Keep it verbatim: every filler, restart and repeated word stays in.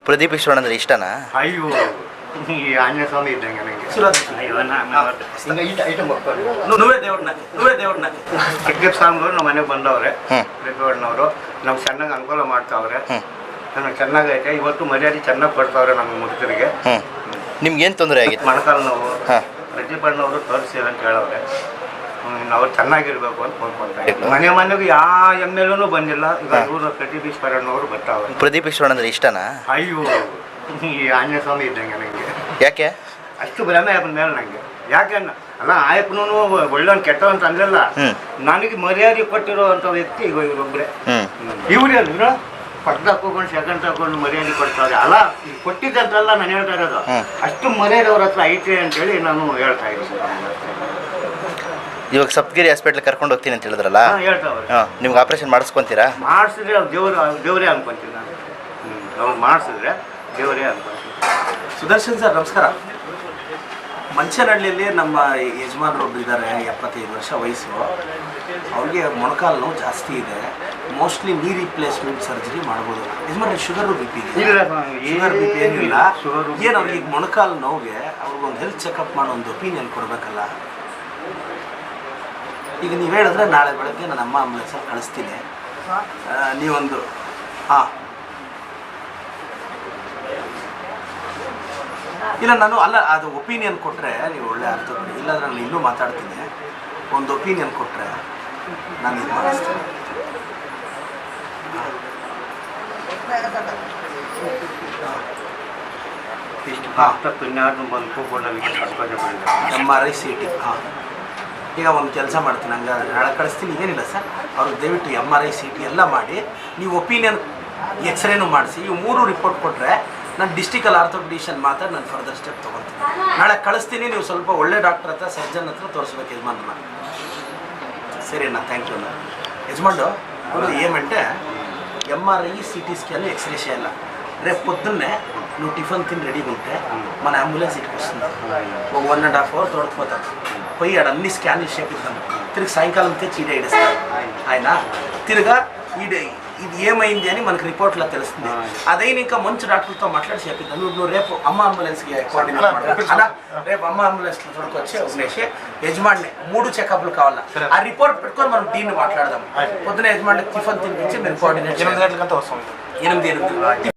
ಪ್ರದೀಪ್ ಈಶ್ವರನ್ ಅಂದ್ರೆ ಇಷ್ಟನಾ? ಅಯ್ಯೋ ಈ ಆಂಜನೇಯ ಸ್ವಾಮಿ ಇದ್ದಂಗೆ ಪ್ರದೀಪ್ ಸ್ವಾಮಿಗಳು ನಮ್ಮ ಮನೆಗೆ ಬಂದವ್ರೆ. ಪ್ರದೀಪಣ್ಣವರು ನಮ್ಗೆ ಚೆನ್ನಾಗಿ ಅನುಕೂಲ ಮಾಡ್ತಾವ್ರೆ. ನಮ್ಗೆ ಚೆನ್ನಾಗೈತೆ. ಇವತ್ತು ಮರ್ಯಾದೆ ಚೆನ್ನಾಗಿ ಕೊಡ್ತಾವ್ರೆ ನಮ್ಮ ಮುದುಕರಿಗೆ. ನಿಮ್ಗೆ ಏನು ತೊಂದರೆ ಆಗಿತ್ತು? ಮೊಣಕಾಲು ನೋವು. ಪ್ರದೀಪಣ್ಣವರು ತೋರಿಸಿ ಅಂತ ಹೇಳವ್ರೆ. ನಾವು ಚೆನ್ನಾಗಿರ್ಬೇಕು ಅಂತ ಕೋರ್ಕೊಳ್ತಾರೆ. ಮನೆ ಮನೆಗೂ ಯಾವ ಎಮ್ ಎಲ್ ಎನೂ ಬಂದಿಲ್ಲ. ಈಗ ಇವರು ಪ್ರದೀಪ್ ಈಶ್ವರಣ್ಣವರು ಬರ್ತಾವ್ರೆ. ಪ್ರದೀಪ್ ಈಶ್ವರನ್ ಅಂದ್ರೆ ಇಷ್ಟನಾ? ಅಯ್ಯೋ ಈ ಆಂಜನೇಯ ಸ್ವಾಮಿ ಇದ್ದಂಗೆ ನನಗೆ. ಯಾಕೆ ಅಷ್ಟು ಭ್ರಮೆ ಆಯ್ತು ಮೇಲೆ ನನಗೆ. ಯಾಕೆ ಅಲ್ಲ ಆಯಪ್ಪನೂ ಒಳ್ಳೆಯವನು ಕೆಟ್ಟವ ಅಂತ ಅಂದಿಲ್ಲ. ನನಗೆ ಮರ್ಯಾದೆ ಕೊಟ್ಟಿರುವಂಥ ವ್ಯಕ್ತಿ ಈಗ ಇವರೊಬ್ಬರೇ. ಇವರೇ ಅಲ್ಲ ಪಕ್ಕ ಹಾಕೊಂಡು ಸೆಕೆಂಡ್ ಹಾಕೊಂಡು ಮರ್ಯಾದೆ ಕೊಡ್ತಾರೆ. ಅಲ್ಲ ಕೊಟ್ಟಿದ್ದಂತಲ್ಲ ನಾನು ಹೇಳ್ತಾ ಇರೋದು. ಅಷ್ಟು ಮರ್ಯಾದೆ ಅವ್ರ ಹತ್ರ ಐತೆ ಅಂತೇಳಿ ನಾನು ಹೇಳ್ತಾ ಇದ್ದೀನಿ. ಇವಾಗ ಸಪ್ತಗಿರಿ ಹಾಸ್ಪಿಟ್ಲ್ ಕರ್ಕೊಂಡು ಹೋಗ್ತೀನಿ ಅಂತ ಹೇಳಿದ್ರಲ್ಲ, ಹೇಳ್ತಾವ್ರೆ. ನಿಮ್ಗೆ ಆಪರೇಷನ್ ಮಾಡಿಸ್ಕೊಂತೀರಾ? ಮಾಡಿಸಿದ್ರೆ ಅವ್ರು ದೇವ್ರು ದೇವರೇ ಅನ್ಕೊಂತೀನಿ ನಾನು. ಹ್ಞೂ ಅವ್ರು ಮಾಡಿಸಿದ್ರೆ ದೇವರೇ ಅನ್ಕೊಂತೀನಿ. ಸುದರ್ಶನ್ ಸರ್ ನಮಸ್ಕಾರ. ಮಂಚನಹಳ್ಳಿಯಲ್ಲಿ ನಮ್ಮ ಯಜಮಾನರು ಒಬ್ಬರು ಇದ್ದಾರೆ, ಎಪ್ಪತ್ತೈದು ವರ್ಷ ವಯಸ್ಸು. ಅವ್ರಿಗೆ ಮೊಣಕಾಲು ನೋವು ಜಾಸ್ತಿ ಇದೆ. ಮೋಸ್ಟ್ಲಿ ನೀ ರಿಪ್ಲೇಸ್ಮೆಂಟ್ ಸರ್ಜರಿ ಮಾಡ್ಬೋದು. ಯಜಮಾನ್ರೆ sugar B P sugar B P ಏನಿಲ್ಲ. ಏನು ಅವ್ರಿಗೆ ಈಗ ಮೊಣಕಾಲು ನೋವಿಗೆ ಅವ್ರಿಗೊಂದು ಹೆಲ್ತ್ ಚೆಕಪ್ ಮಾಡೋ ಒಂದು ಒಪಿನಿಯನ್ ಕೊಡಬೇಕಲ್ಲ. ಈಗ ನೀವು ಹೇಳಿದ್ರೆ ನಾಳೆ ಬೆಳಗ್ಗೆ ನನ್ನ ಅಮ್ಮ ಆಂಬುಲೆನ್ಸಲ್ಲಿ ಕಳಿಸ್ತೀನಿ. ನೀವೊಂದು ಹಾಂ ಇಲ್ಲ ನಾನು ಅಲ್ಲ ಅದು ಒಪಿನಿಯನ್ ಕೊಟ್ಟರೆ ನೀವು ಒಳ್ಳೆ ಅರ್ಥ ಕೊಡಿ. ಇಲ್ಲಾಂದ್ರೆ ನಾನು ಇನ್ನೂ ಮಾತಾಡ್ತೀನಿ. ಒಂದು ಒಪಿನಿಯನ್ ಕೊಟ್ಟರೆ ನಾನು ಇದು ಮಾಡಿಸ್ತೀನಿ. M R I C T ಹಾಂ ಈಗ ಒಂದು ಕೆಲಸ ಮಾಡ್ತೀನಿ. ಹಂಗಾದ್ರೆ ನಾಳೆ ಕಳಿಸ್ತೀನಿ. ಏನಿಲ್ಲ ಸರ್, ಅವ್ರಿಗೆ ದಯವಿಟ್ಟು M R I C T ಎಲ್ಲ ಮಾಡಿ ನೀವು ಒಪಿನಿಯನ್ ಎಕ್ಸ್ರೇನು ಮಾಡಿಸಿ ಇವು ಮೂರು ರಿಪೋರ್ಟ್ ಕೊಟ್ಟರೆ ನಾನು ಡಿಸ್ಟಿಕಲ್ ಆರ್ಥೋಪೆಡಿಷನ್ ಮಾತಾಡಿ ನಾನು ಫರ್ದರ್ ಸ್ಟೆಪ್ ತೊಗೊಳ್ತೀನಿ. ನಾಳೆ ಕಳಿಸ್ತೀನಿ. ನೀವು ಸ್ವಲ್ಪ ಒಳ್ಳೆ ಡಾಕ್ಟರ್ ಹತ್ರ ಸರ್ಜನ್ ಹತ್ರ ತೋರಿಸ್ಬೇಕು ಯಜಮಾನ್ರನ್ನ. ಸರಿ ಅಣ್ಣ, ಥ್ಯಾಂಕ್ ಯು ಅಣ್ಣ. ಯಜಮಾನ್ರು ಅವರು ಏమంటే M R I C T scan ఎక్స్రేషే ಇಲ್ಲ. రేపు పొద్దున్నే నువ్వు టిఫిన్ తిని రెడీగా ఉంటే మన అంబులెన్స్ ఇటుకు వస్తుంది. ఒక వన్ అండ్ హాఫ్ అవర్ తోడుకుపోతాం. పోయి ఆడ అన్ని స్కాన్లు చేపిద్దాం. తిరిగి సాయంకాలం తెచ్చి ఈడ ఇడేస్తాం. ఆయన తిరిగా ఈడ ఇది ఏమైంది అని మనకు రిపోర్ట్లో తెలుస్తుంది. అదైనా ఇంకా మంచి డాక్టర్తో మాట్లాడి చేపిద్దాం. నువ్వు నువ్వు రేపు అమ్మ అంబులెన్స్కి కోఆర్డినేట్ మాట్లాడు. అలా రేపు అమ్మ అంబులెన్స్లో తోడుకొచ్చి వదిలేసి యజమాని మూడు చెకప్లు కావాలా ఆ రిపోర్ట్ పెట్టుకొని మనం దీన్ని మాట్లాడదాం. పొద్దున యజమాని టిఫిన్ తినిపించి మేము కోఆర్డినేట్ ఎనిమిది గంటలకంతా వస్తాం. ఎనిమిది ఎనిమిది